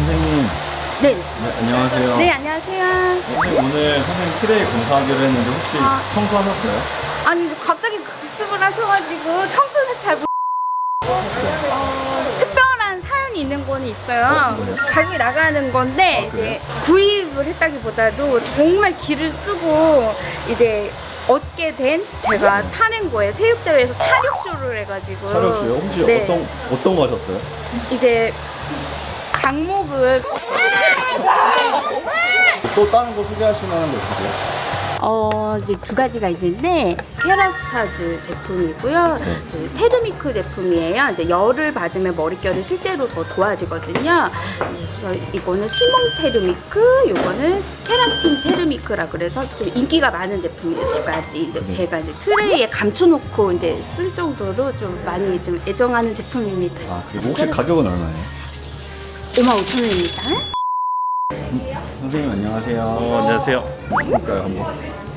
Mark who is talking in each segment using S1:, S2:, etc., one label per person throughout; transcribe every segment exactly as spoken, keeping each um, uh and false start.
S1: 선생님.
S2: 네.
S1: 네, 안녕하세요.
S2: 네, 안녕하세요.
S1: 선생님, 오늘 선생님 트레이 공사하기로 했는데 혹시
S2: 아.
S1: 청소하셨어요?
S2: 아니, 갑자기 급습을 하셔가지고 청소를 잘 못... 어, 특별한 사연이 있는 건 있어요. 가격이 나가는 건데,
S1: 아, 그래요?
S2: 이제 구입을 했다기보다도 정말 기를 쓰고, 이제 얻게 된 제가 타는 거에 체육대회에서 차력쇼를 해가지고.
S1: 차력쇼요? 혹시
S2: 네.
S1: 어떤, 어떤 거 하셨어요?
S2: 이제 강목을
S1: 또 다른 거 소개하실 만한 거 있으세요?
S2: 어 이제 두 가지가 있는데 케라스타즈 제품이고요.
S1: 네.
S2: 이제 테르미크 제품이에요. 이제 열을 받으면 머릿결이 실제로 더 좋아지거든요. 그래서 이거는 시몽 테르미크, 요거는 케라틴 테르미크라 그래서 좀 인기가 많은 제품이에요. 두 가지.
S1: 네.
S2: 제가 이제 트레이에 감춰놓고 이제 쓸 정도로 좀 많이 좀 애정하는 제품입니다.
S1: 아, 그리고 혹시 가격은 얼마예요?
S2: 오만 오천 원입니다.
S1: 선생님, 안녕하세요.
S3: 어, 안녕하세요.
S1: 볼까요, 한번?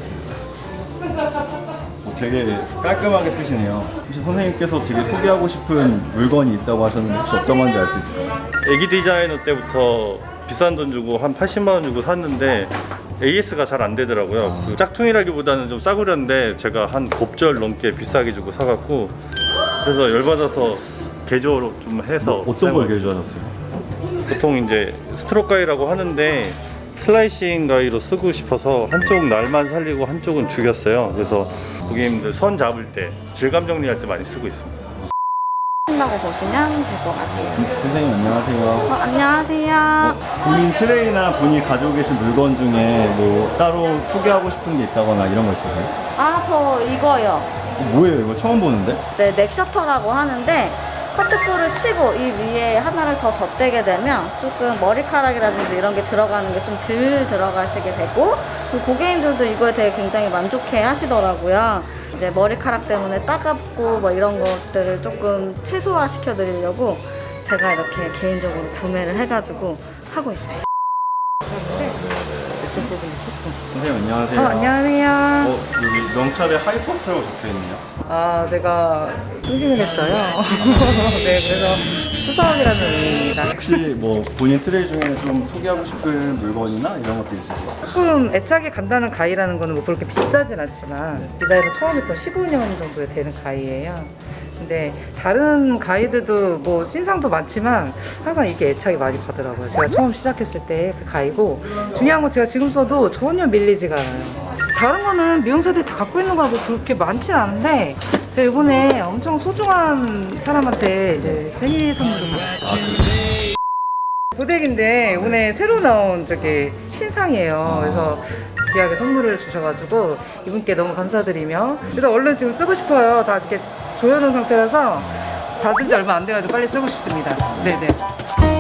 S1: 어, 되게 깔끔하게 쓰시네요. 혹시 선생님께서 되게 소개하고 싶은 물건이 있다고 하셨는데 혹시 어떤 건지 알 수 있을까요?
S3: 애기 디자이너 때부터 비싼 돈 주고 한 팔십만 원 주고 샀는데 에이에스가 잘 안 되더라고요.
S1: 아.
S3: 그 짝퉁이라기보다는 좀 싸구려인데 제가 한 곱절 넘게 비싸게 주고 사갖고 그래서 열받아서 개조로 좀 해서
S1: 뭐 어떤 걸
S3: 사용을-
S1: 개조하셨어요?
S3: 보통 이제 스트로크 가위라고 하는데 슬라이싱 가위로 쓰고 싶어서 한쪽 날만 살리고 한쪽은 죽였어요. 그래서 고객님들 선 잡을 때 질감 정리할 때 많이 쓰고 있습니다.
S2: 라고 보시면 될 것 같아요.
S1: 선생님, 안녕하세요.
S2: 어, 안녕하세요.
S1: 본인 트레이나 본인이 가지고 계신 물건 중에 뭐 따로 소개하고 싶은 게 있다거나 이런 거 있으세요?
S2: 아, 저 이거요.
S1: 어, 뭐예요? 이거 처음 보는데?
S2: 이제 넥셔터라고 하는데 커트볼을 치고 이 위에 하나를 더 덧대게 되면 조금 머리카락이라든지 이런 게 들어가는 게 좀 덜 들어가시게 되고, 그리고 고객님들도 이거에 되게 굉장히 만족해 하시더라고요. 이제 머리카락 때문에 따갑고 뭐 이런 것들을 조금 최소화 시켜 드리려고 제가 이렇게 개인적으로 구매를 해가지고 하고 있어요.
S1: 선생님, 안녕하세요.
S4: 어, 안녕하세요.
S1: 어, 여기 명찰에 하이퍼스트라고 적혀있네요.
S4: 아, 제가 승진을 했어요. 네, 그래서 수사원이라는 의미입니다.
S1: 혹시 뭐 본인 트레이 중에 좀 소개하고 싶은 물건이나 이런 것도 있으세요?
S4: 조금 애착이 간다는 가위라는 거는 뭐 그렇게 비싸진 않지만
S1: 네.
S4: 디자인은 처음 했던 십오 년 정도 되는 가위예요. 근데 다른 가위들도 뭐 신상도 많지만 항상 이게 애착이 많이 가더라고요. 제가 처음 시작했을 때 그 가위고, 중요한 건 제가 지금 써도 전혀 밀리지가 않아요. 다른 거는 미용사들이 다 갖고 있는 거라고 그렇게 많진 않은데 제가 이번에 엄청 소중한 사람한테 이제 생일 선물을 받았어요. 고데기인데 이번에 새로 나온 저기 신상이에요. 그래서 귀하게 선물을 주셔가지고 이분께 너무 감사드리며, 그래서 얼른 지금 쓰고 싶어요. 다 이렇게 조여놓은 상태라서 받은 지 얼마 안 돼가지고 빨리 쓰고 싶습니다. 네네.